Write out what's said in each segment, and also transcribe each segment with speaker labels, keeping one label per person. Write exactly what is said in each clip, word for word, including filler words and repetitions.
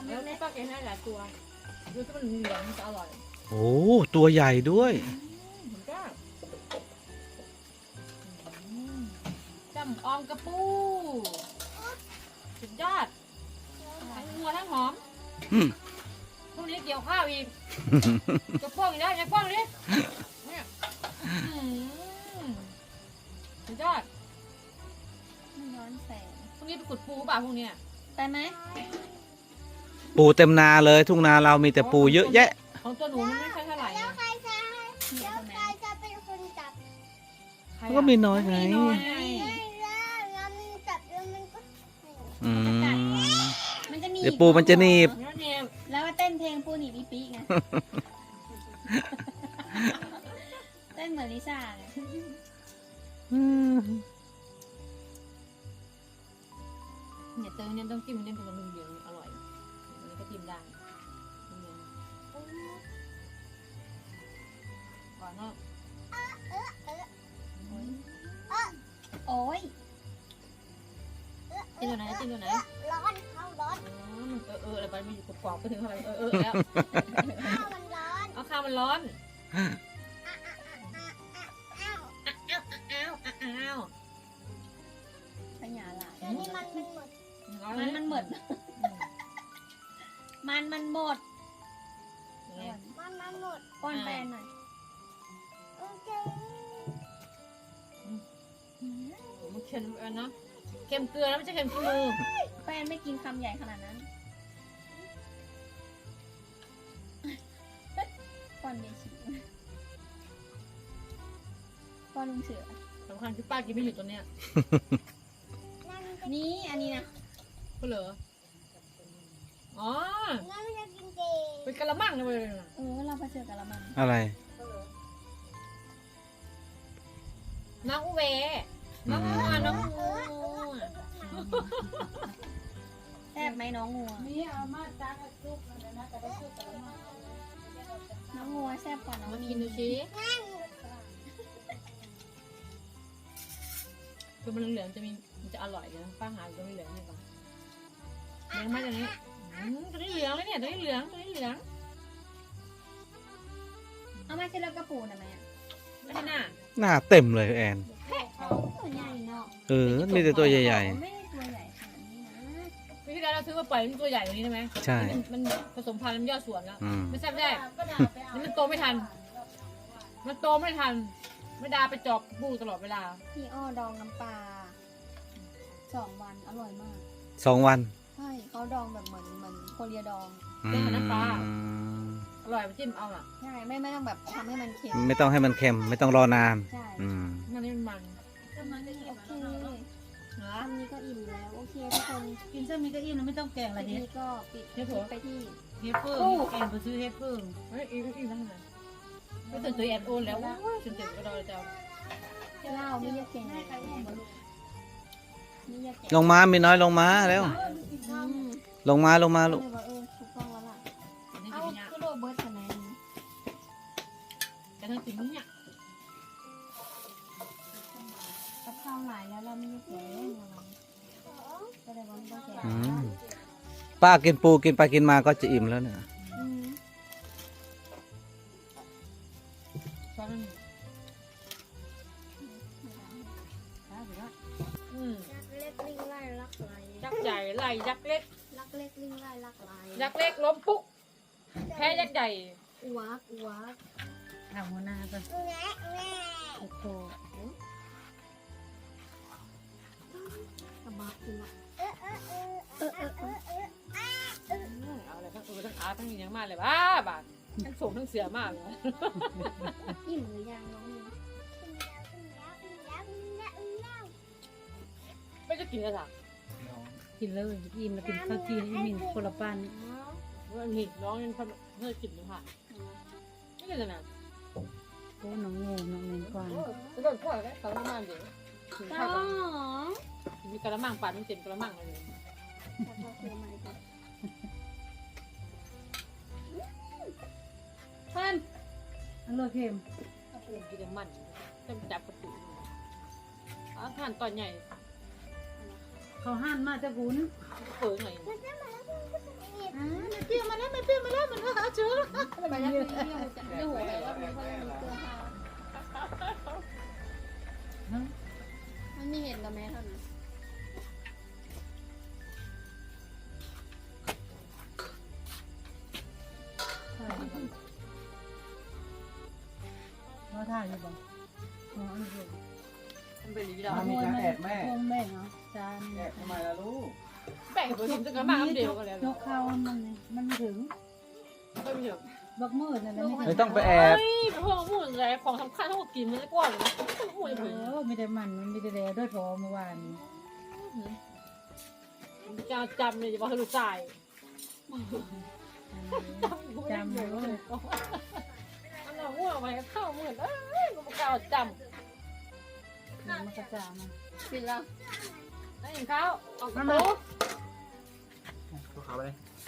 Speaker 1: แล้วป้าแกให้หลายตัวดูที่มันเหลืองมันจะอร่อย
Speaker 2: โอ้ตัวใหญ่ด้วย
Speaker 1: เหมือนกันจำออมกระปูสุดยอดทั้งงัวทั้งหอมพรุ่งนี้เกี่ยวข้าวอีกจะป้องอีกแล้วจะป้องดิเนี่ยสุดยอด
Speaker 3: มันย้อนแสง
Speaker 1: พรุ่งนี้ไปขุดปูป่ะพรุ่งนี้
Speaker 3: ไปไหม
Speaker 2: ปูเต็มนาเลยทุ่งนาเรามีแต่ปูเยอะแยะ
Speaker 1: ของตัวหนูมันไม่ใช่เท่าไหร่แล้ว
Speaker 4: ใครจะแล้วใครจะเป็นคนจับ
Speaker 2: มันก็มีน้อยไงอืมเดี๋ยวปูมันจะหนีบ
Speaker 3: แล้วมาเต้นเพลงปูหนีบอีปีไงเต้นเหมือนลิซ่าไง
Speaker 1: เนี่ยเติมเนี่ยต้องจิ้มเนี่ยเป็นกระดูกเหลืองอร่อยอันนี้ก็จิ้มได้ก่อนเนาะ
Speaker 3: โอ้ย
Speaker 1: จิ้มตัวไหนจิ้มตัวไหน
Speaker 4: ร้อนเขาร้อน
Speaker 1: เออเอออะไรไปมันอยู่กรอบๆไปถึงอะไรเออเออแล้ว
Speaker 4: ข้าวมันร้อน
Speaker 1: เอาข้าวมันร้อนอ้าว
Speaker 3: ขยะหลาย
Speaker 4: นี่มันมันหมด
Speaker 3: มันมันหมดมันมันหมด
Speaker 4: มันมันหมด
Speaker 3: ป้อนแฟนหน่อย
Speaker 4: โอเค
Speaker 1: มันเค็มนะเค็มเกลือแล้วไม่ใช่เค็มขี้มือ
Speaker 3: แฟนไม่กินคำใหญ่ขนาดนั้นป้อนเยชิป้อนลุงเสือ
Speaker 1: สำคัญคือป้ากินไม่หยุดตัวเนี้ย
Speaker 3: นี่อันนี้นะ
Speaker 1: ก็เหรออ๋อ
Speaker 4: นั่นจะกินเจ
Speaker 1: เป็นกะละมังเลย
Speaker 3: เออเราไปเจอกะละมัง
Speaker 2: อะไร
Speaker 1: น้องอุเวน้องงัวน้องงัว
Speaker 3: แซ่บไหมน้องงัว
Speaker 4: นี่เอามาจากซุปนะนะแต่ได้ซุปกะละมัง
Speaker 3: น้องงัวแซ่บกว่าน้อง
Speaker 1: มากินดูสิคือมันเหลืองจะมีมันจะอร่อยนะป้าหาตัวนี้เหลืองนี่ก่อนเหลืองไหมตัวนี้ตัวนี้เหลืองเลยเนี่ยตัวนี้เหลืองตัวนี้เหลือง
Speaker 3: เอามาเสร็จแล้วกระปูนะแม่
Speaker 1: ไม่ได้หน้า
Speaker 2: หน้าเต็มเลยแอน
Speaker 3: ตัวใหญ่เนาะ
Speaker 2: เออมีแต่ตัวใหญ่
Speaker 3: ๆไม่ได้ตัวใหญ่ขนาดนี้นะ
Speaker 1: พี่ที่แล้วเราซื้อมาปล่อยมันตัวใหญ่กว่านี้ได้ไหม
Speaker 2: ใช่
Speaker 1: มันผสมพันธุ์มันยอดสวนแล้วไม่ใช่ไม่ได้นี่มันโตไม่ทันมันโตไม่ทันไม่ดาไปจอบบูตลอดเวลา
Speaker 3: พี่อ้อดองน้ำปลาสองวันอร่อยมาก
Speaker 2: สองวัน
Speaker 3: ใช่เขาดองแบบเหมือนเหมือนโคเรียดอง
Speaker 1: เล่นกับน้ำปลาอร่อยไปจิ้มเอาอ่ะ
Speaker 3: ใช่ไม่ไม่ต้องแบบทำให้มันเค็ม
Speaker 2: ไม่ต้องให้มันเค็มไม่ต้องรอนาน
Speaker 3: ใช่
Speaker 1: นั่นนี่มันมัน
Speaker 3: โอเคอันนี้ก็อิ่มแล้วโอเคทุกคน
Speaker 1: กินเส้นนี้ก็อิ่มแล้วไม่ต้องแกงอะไรเฮ็ด
Speaker 3: ก็ปิดไปที่
Speaker 1: เฮ็ดเพิ่มแกงไปซื้อเฮ็ดเพิ่มเฮ้ยอิ่มอิ่มแล้วไงไม่ตื่นตัวแอนโอนแล้วตื่นตื่นก็รอเจ้า
Speaker 3: เล่าไม่ยากแกง
Speaker 2: ลงมามีน้อยลงมาแล้วลงมาลงมาลูก
Speaker 3: ถูกต้องแล้วล่ะเอาคือโรเบิร์ตคะแนน
Speaker 1: แต่ทั้งสิ่งนี้เนี่ย
Speaker 3: กับข้าวหลายแล้วเราไม่แกงก็เลยว่าไม่ต้องแกง
Speaker 2: ป้ากินปูกินไปกินมาก็จะอิ่มแล้วเนี่ย
Speaker 1: ยักษ์ใหญ่ไล่ยักษ์เล็ก
Speaker 3: ยักษ์เล็กลิงไล่ยักษ์ไหล
Speaker 1: ยักษ์เล็กล้มปุ๊กแพ้ยักษ์ใหญ่
Speaker 3: อ้วกอ้วก
Speaker 1: ทำหัวหน้าก็
Speaker 3: โอ้โหกระบะกินละเออเออเออเออเออเออเออ
Speaker 1: เอาเลยทั้งตัวทั้งอาทั้งยังมากเลยบ้าบ้าทั้งสูงทั้งเสือมากเลย
Speaker 3: อิ่มหรือยังน้อง
Speaker 1: ไม่จะกินอะไรสัก
Speaker 5: กินเลยอิ่มแล้วกินข้าวจีนอีมินคนละปั้น
Speaker 1: ว่าหนิน้องยังทำเพื่อกินเลยค่ะไม่กินเลยนะ
Speaker 5: โอ้น้องงูน้องเมนกวาง
Speaker 1: จะโดนพ่อแล้วกระมังเดี๋ยว
Speaker 3: อ๋อ
Speaker 1: มีกระมังปั่นมันเต็มกระมังเลย
Speaker 3: เพิ่ม
Speaker 5: อร่อยเค็ม
Speaker 1: กินแต่มันเต็มจับประตูอาหารตอนใหญ่
Speaker 5: เขาหั่นมาจะบุญ
Speaker 1: เปิดหน่อย
Speaker 5: ไม่เปรี้ยวมาแล้วมันก็หาเชื้อ
Speaker 3: ไปแล้วมีเรื่องจะไม่หัวไปแล้วมีเขาเลยมีเกลือข้าวมันมีเห็นกับแม่เท่านั้น
Speaker 5: มาถ่ายอยู่บ่อ๋ออันนี้
Speaker 1: มันเป็นอย่างนี้แล้ว
Speaker 6: มีการแอบแม่
Speaker 5: พงแม่เหรอจาน
Speaker 6: แอบทำไมล่ะลูก
Speaker 1: แบ่งผสมกันมาอันเดียวกันแล้ว
Speaker 5: ยกเข้ามันมันไม่ถึง
Speaker 1: ไม่มีหรอก
Speaker 5: บักมืดนั่นแหละไม่
Speaker 6: ไม่
Speaker 5: ถึง
Speaker 6: ต้องไปแอบ
Speaker 1: เฮ้ยพวกพูดอะไรของสำคัญทั้งหมดกินมันจะกว่าเลยพูด
Speaker 5: เอ
Speaker 1: เลย
Speaker 5: อไม่ได้มันมันไม่ได้แลด้วยทอเมื่อวาน
Speaker 1: จะจำเลยจะบอกให้ลูกชายจำ
Speaker 5: จำเลย
Speaker 1: อันนั้นว่าไปเข้าเหมือนเอ้ยลูกกาวจ
Speaker 5: มันกระจามัน
Speaker 3: กินแล้ว
Speaker 1: ำนั่นเองเขาออกมา
Speaker 6: ตัวขาวไปเลย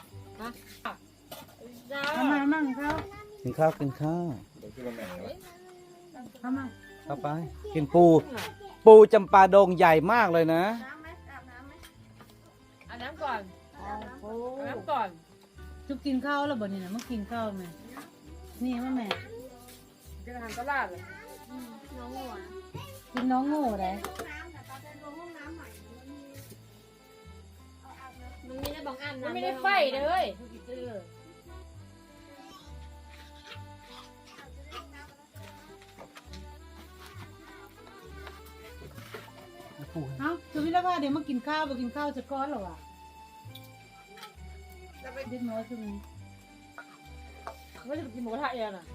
Speaker 1: จ้า
Speaker 5: ทำไมมั่งเขา
Speaker 6: กินข้าวกินข้าว
Speaker 5: ทำไม
Speaker 6: เข้าไป กินปู ปูจำปาดงใหญ่มากเลยนะ
Speaker 4: น้ำไหมอาบน้ำไหม
Speaker 1: อาบน้ำก่อน
Speaker 5: โอ้
Speaker 1: อาบน้ำก่อน
Speaker 5: จุกกินข้าวแล้วบ่เนี่ยนะเมื่อกินข้าวไหมนี่ว่าแม่
Speaker 1: จะทำตลาดเลย
Speaker 3: น้องหัว
Speaker 5: กินน้องโง่ได้
Speaker 4: ห้องน้ำแต่ตอนเดินลงห้องน้ำใหม่มันมีเอาอาบน้ำ
Speaker 3: มันมีได้บางอัน
Speaker 1: มันไม่ได้ไฟเลยเออ
Speaker 5: เอ้าจุกพี่แล้วว่าเดี๋ยวมากินข้าวมากินข้าวจะก้อนหรอวะเด็กน้อยคือมัน
Speaker 1: ไม่จะไปกินหมูกระทะเองน่ะ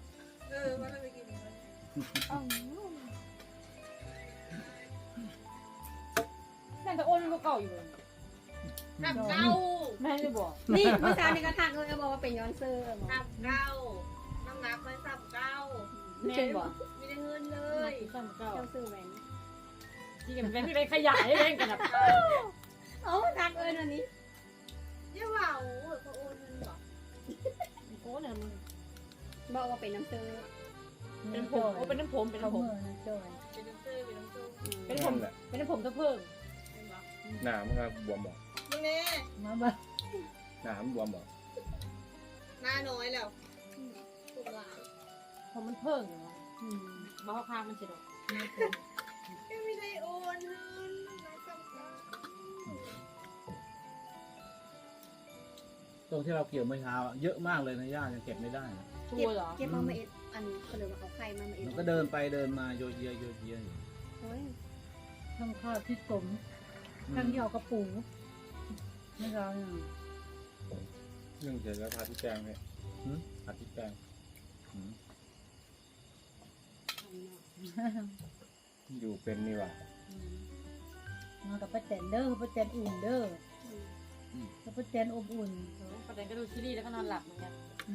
Speaker 1: นั่นแต่โอนก็เก่าอยู่เลย
Speaker 3: หักเก้า
Speaker 1: แม่ไม่บอก
Speaker 3: นี่เมื่อเช้านี่ก็ทักเลยบอกว่าเป็นย้อนเซอร์บอก
Speaker 4: อาบเก้าน้ำหนักมันสับเก้า
Speaker 3: ไม่ใช่บอก
Speaker 4: ไม่ได้เงินเล
Speaker 1: เฮ้
Speaker 4: ย
Speaker 1: ยซ้ำเก่า
Speaker 3: เจ้าซื้อแหวน
Speaker 1: ที่กันเป็นที่ไปขยายเองกันนะ
Speaker 3: เอ้าทักเอิญวันนี้
Speaker 4: เยี่ยว่าโอ้โหเขาโอนเงินเหรอ
Speaker 1: โอ้เนี่ยมัน
Speaker 3: บอกว่าเป็นน้ำเซอร์
Speaker 1: เป็นผมโอ้เป็นน้ำผมเป็น
Speaker 5: เขา
Speaker 1: น้ำผม
Speaker 5: เมื่อนะจอย
Speaker 4: เป็นน้ำซื้อเป็นน้ำซื้อ
Speaker 1: เป็นผมเป็นน้ำผมตะเพิ่ง
Speaker 6: หนามครับบวมบอก
Speaker 4: มึงเนี่ย
Speaker 5: มาบ้า
Speaker 6: หนามบวมบอก
Speaker 4: หน้าน้อยแล้วถูกหลาย
Speaker 1: ผมมันเพิ่งอยู่วะมาข้างมันเฉย
Speaker 4: ก็ไม่ได้โอนเงินน้ำสับเก้า
Speaker 7: ตรงที่เราเกี่ยวเมื่อเช้าอะเยอะมากเลยนะย่ายังเก็บไม่ได้นะ
Speaker 1: ตัวเหรอ
Speaker 3: เก็บมามาเอ็ดอันเขาเลยว่าเอาไข่มามาเอ็ด
Speaker 7: มันก็เดินไปเดินมาโยเยโยเยอยู่
Speaker 3: โอ้ย
Speaker 5: ทำข้าวที่กลมทั้งที่เอากระปูไม่เราเนี่ย
Speaker 6: เรื่องเสร็จแล้วทาที่แกงเนี่ยทาที่แกง อยู่เป็นนี่ว่ะ
Speaker 5: มากับป้าแตนเด้อป้าแตนอุ่นเด้อแล้วป้าแตนอบอุ่น
Speaker 1: ประเด็นก็ดูซีรีส์แล้วก็นอนหลับเหมือนกัน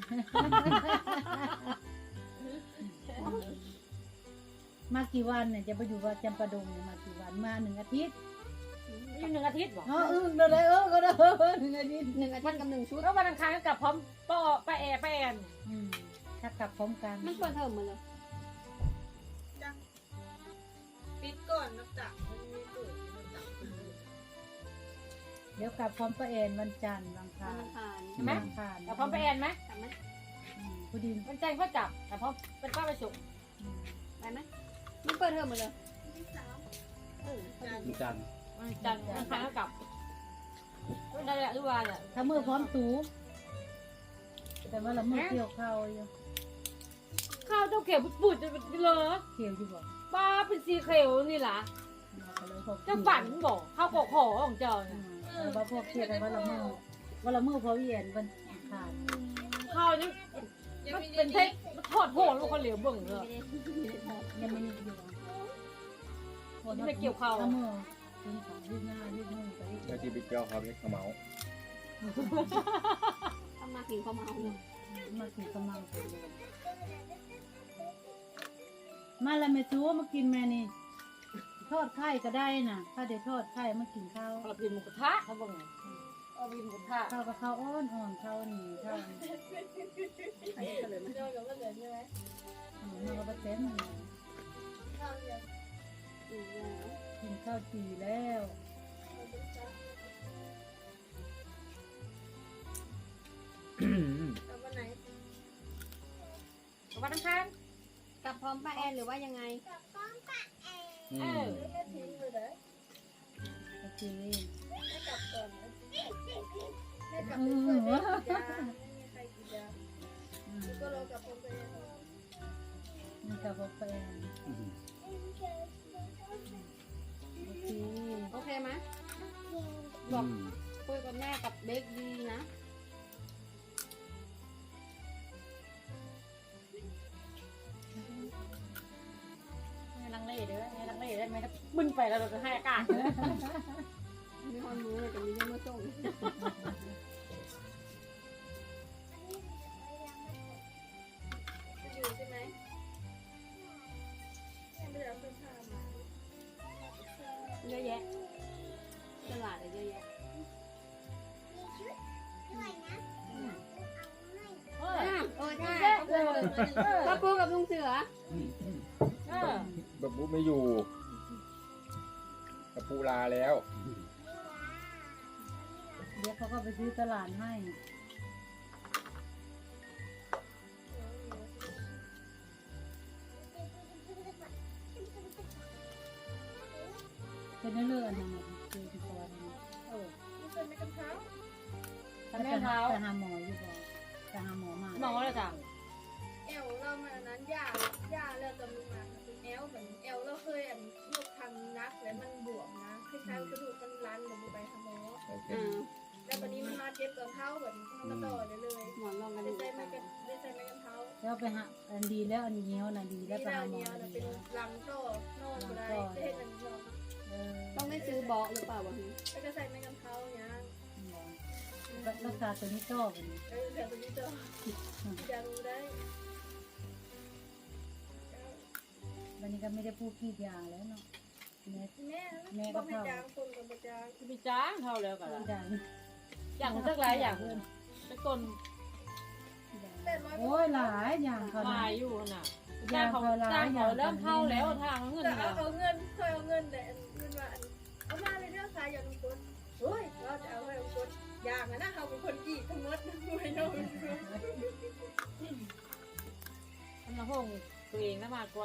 Speaker 5: มากี่วันเนี่ยจะไปอยู่ว่าจำปาดงเนี่ยมากี่วันมาหนึ่งอาทิตย์
Speaker 1: อยู่หนึ่งอาทิตย์บอก
Speaker 5: อ๋อเออเดี๋ยวเลยเออก็ได้เออหนึ่งอาทิตย์
Speaker 3: หนึ่งอาทิตย์กับหนึ่งชุด
Speaker 1: แล้ววันอังคารก็กลับพร้อมป้อป้าแอป้าแอน
Speaker 5: อืมถ้ากลับพร้อมกัน
Speaker 3: มันเปิดเทอมมาเลย
Speaker 4: ปิดก่อนนับจากมันมีเปิดนับจาก
Speaker 5: เดี๋ยวกลับพร้อมป้าแอนวันจันทร์วันอังคา
Speaker 3: วัน
Speaker 5: ร
Speaker 3: อังคาร
Speaker 1: ใช่ไหม
Speaker 5: วันอังคาร
Speaker 1: กลับพร้อมป้าแอนไหม
Speaker 3: กลับไหม
Speaker 5: อืมพอดี
Speaker 1: วันจันทร์ก็จับแต่พร้อมเป็นป้าไปส่ง
Speaker 3: ไปไหมมันเปิดเทอมมาเลยเออ
Speaker 7: มีการ
Speaker 1: วันจันทร์วันอังคารก็กลับวันใดอะทุกวันอะ
Speaker 5: ถ้ามือพร้อมตูแต่ว่าเรามือเกี่ยวข้าวอยู่
Speaker 1: ข้าวเจ้าเขียวปุดๆเลย
Speaker 5: เกี่ยวอยู่บอก
Speaker 1: ป้าเป็นสีเขียวนี่ล่ะ
Speaker 5: เราก็เลยพอ
Speaker 1: เจ้าฝันบอกข้าวโขกหอของเจ้า
Speaker 5: อื
Speaker 1: เนี่ย
Speaker 5: มแล้วว่าพวกเกี่ยวกันว่าเรามือว่าเรามือพอเวียนวันอังคาร
Speaker 1: ข้าวนี่มันเป็นเทคมันทอดโหดลูกคนเหลียวเบิ่งเลย
Speaker 5: ยังไม่ได้อยู่
Speaker 1: นี่ไม่เกี่ยวข้าว
Speaker 5: ถ้ามือยืนขายืนหน้ายืนมือไปยืน
Speaker 6: แล้วที่ไปเกี่ยวเขาเนี่ยขมเมา
Speaker 3: ทำมากินข้าวเมาเนี่ย
Speaker 5: มาถึงกำลังเลยมาแล้วแม่จูมากินแม่นี่ทอดไข่ก็ได้น่ะ ถ้าได้ทอดไข่มากินข้าว
Speaker 1: เรากินหมูกระทะเขาบอกไงเอากินหมูกระทะ
Speaker 5: ข้าวกับข้าวอ้อนอ่อนข้าวหนีข้าว
Speaker 3: อันนี้ก็เลยไหม
Speaker 4: เดี๋ยวเราก็เหลือใช่ไหม
Speaker 5: อืมมันก็บะเต็ม
Speaker 4: ข้าวเหลือ
Speaker 3: อืม
Speaker 5: กินข้าวจีแล้ว
Speaker 4: เราจะจับกลับวันไหน
Speaker 1: กับวันอังคาร
Speaker 3: กลับพร้อมป้าแอนหรือว่ายังไง
Speaker 7: อื
Speaker 1: เอ
Speaker 7: ม
Speaker 1: อ
Speaker 4: ไม่ได้ทิ้งเลยเด้อ
Speaker 5: โอเค
Speaker 4: ไม่กลับก่อนนะไม่กลับไปช่วยแม่กินยาไม่มีใครกินยา
Speaker 5: อืม
Speaker 4: ก็รอกลับผมไปเอง
Speaker 5: นี่กับแฟน
Speaker 7: อืม
Speaker 5: โอเค
Speaker 3: โอเคไหม
Speaker 7: อืม
Speaker 3: คุยกับแม่กับเบคดีนะ
Speaker 1: ไม่ลังเลเด้อไม่ลังเลเด้อไม่ต้องบึ้นไปแล้วเราจะให้อากาศ
Speaker 3: มีคนรู้เลยแต่มีเรื่องมาส่ง
Speaker 4: จะอยู่ใช่ไหมยังไม่ได้เอาเสื้อผ้ามา
Speaker 3: เยอะแยะตลาดอะเยอะแยะ
Speaker 1: เออ
Speaker 3: อ่ะเออใช่ก็ปูกับลุงเสือ
Speaker 1: เออ
Speaker 6: แบบบุ๊ไม่อยู่กับปูลาแล้ว
Speaker 5: เดี๋ยวเขาก็ไปซื้อตลาดให้เป็นเรื่องอะไรนะคือที่ก่อนนะ
Speaker 1: เออ
Speaker 4: มีเสื้อไม่กันเท้า
Speaker 1: ทำแม่เท้า
Speaker 5: จะหาหมออยู่บ่จะหาหมอมา
Speaker 1: หมอเลยจ้ะ
Speaker 4: แอลเรามาอันนั้นย่าย่าแล้วตำลึงมาเป็นแอลเหมือนแอลเราเคยอันยกทำนักแล้วมันบวมนะคล้ายๆกระดูกมันรันหรือไปทำหมอ
Speaker 6: โอเค
Speaker 3: อ่า
Speaker 4: แล้ววันนี้มันมาเจ็บตอนเท้าแบบมันก็ต่อเลยเลย
Speaker 3: หมอนรองกัน
Speaker 4: ได้
Speaker 3: ดู
Speaker 4: ใจไม่กันได้ใจไม่กันเท้า
Speaker 5: แล้วไปหาอันดีแล้วอันเงี้ยวนะดีแล้ว
Speaker 4: นี่
Speaker 5: ไป
Speaker 4: แล้
Speaker 5: หาว หมอ
Speaker 4: เนี้ย
Speaker 5: อัน
Speaker 4: เป็
Speaker 5: ดี
Speaker 4: นลังโซ่นอนอยู่ได้ได้เห็นมันนอน
Speaker 5: เออ
Speaker 3: ต้องได้ซื้อเบาะหรือเปล่าวะ
Speaker 4: แล้วก็ใส่ไม่กันเท้าเนี้ย
Speaker 5: รักษาตัวนี้ต่อกัน
Speaker 4: เออแต่ตัวนี้จะจะรู้ได้
Speaker 5: วันนี้ก็ไม่ได้พูดกี่อย่างแล้วเนาะแม่
Speaker 4: แม่บอกให้จางคนกับจาง
Speaker 1: จะมีจ้างเท่าแล้วกัน
Speaker 5: พูดดัง
Speaker 1: อย่างสักหลายอย่างเพื่อนจะต้น
Speaker 4: แต่ร้อย
Speaker 5: โอ้ยหลายอย่างเขา
Speaker 1: ลา
Speaker 5: นะ
Speaker 1: ยอยู่น่ะจ้างเขาจ้างเขาเริ่มเท่าแล้วทางเงิน
Speaker 4: แต่
Speaker 1: เนี่ย
Speaker 4: เอาเงินเคยเอาเงินแต่เงินว่าเอามาเลยเรื่องขายอย่างกดเฮ้ยเราจะเอาให้กดอย่างนะเราเป็นคนกี่ทั้งหมดไม่น้อย
Speaker 1: ทำน้ำห้องตัวเองน่ามากกว่า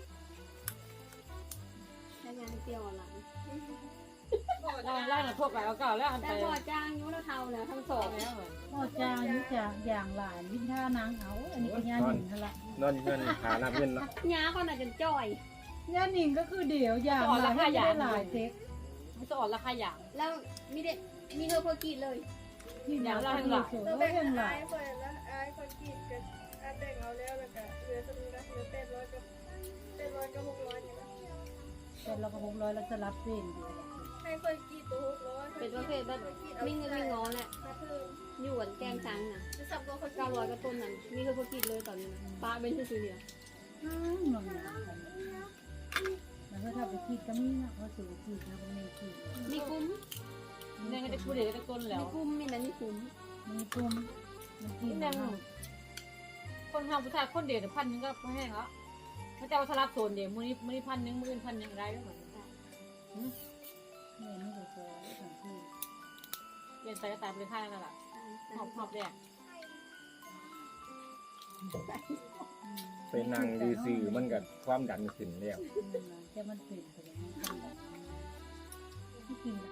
Speaker 3: ใช้งานเตียวหลัง
Speaker 1: ล่างล่างพวกเราเก่าแล้วอัน
Speaker 3: แต่
Speaker 1: ไป
Speaker 3: พอจ้างยุ้เราเทาแล้วทั้งสอง
Speaker 1: แล้วเหมือน
Speaker 5: พ่อจางนี่จะอย่างหลานวิ่งท่านางเอาอันนี้ก็ย่าหนิงนั่นแหละ
Speaker 6: นอนเงินหาหน้าเงินเนาะ
Speaker 3: ย้าคนอาจจะจ่อย
Speaker 5: ย่าหนิงก็คือเดี๋ยวอย่างหลานไม่ได้หลายเซ็ก
Speaker 1: มันจะอ่อนราคาอย่าง
Speaker 3: แล้วมีเด็มีเธอเพอร์กีดเลย
Speaker 5: ที่อย่างเราให้หลาย
Speaker 4: เรา
Speaker 5: ก็
Speaker 4: แบ่ง
Speaker 5: ยังหลา
Speaker 4: อาย ยคนละอายคนกี่กันอายแบ่งเอาแล้วแล้วก็เหลือสมุนนะเหลือแปดร้อยกับแปดร้อยกับหกร้อยเนี่ย
Speaker 5: แต่เราก็หกร้อยเราจะรับเส้นอยู่
Speaker 4: ให้คนกี่ตัวหกร้อย
Speaker 3: เป็นประเภทแบบมีเงินมีงอแหละ
Speaker 4: ถ้าเพิ่ม
Speaker 3: อยู่กันแกงช้างน่ะ
Speaker 4: จะสับตัวคน
Speaker 3: เก้าร้อยก็ต้นนั้นมีเธอเพอร์กีดเลยตอนนี้ป้าเป็นซื้อเนี่ย
Speaker 5: น้ำนมหนากันแล้วก็ถ้าไปคิดก็มีนะเขาสูงคิดนะก็ไม่คิด
Speaker 3: มีคุ้ม
Speaker 1: เนี่ยก็จะพูดเดี๋ยวจะต้นแล้
Speaker 3: มี
Speaker 1: ว
Speaker 3: คุ้มมีนั้นมีคุ้ม
Speaker 5: มีตุ้มมันกิน
Speaker 1: นี่ยังคนทำผู้ชายคนเดียวพันนึงก็แห้งแล้วเขาจะเอาสลับโซนเดียวมือนี้มือนี้พันนึงมืออื่นพันยังไรก็เหมือนกัน
Speaker 5: เนี่ยนี่ก็พอสองที่
Speaker 1: เรียนไปก็ตายไปค่ายนั่นแหละหอบหอบแดก
Speaker 6: เป็นนางดีสื่อมันกับความดันขึ้นแล้ว
Speaker 5: จะมันเป็นไปอย่างนี้ที่กิน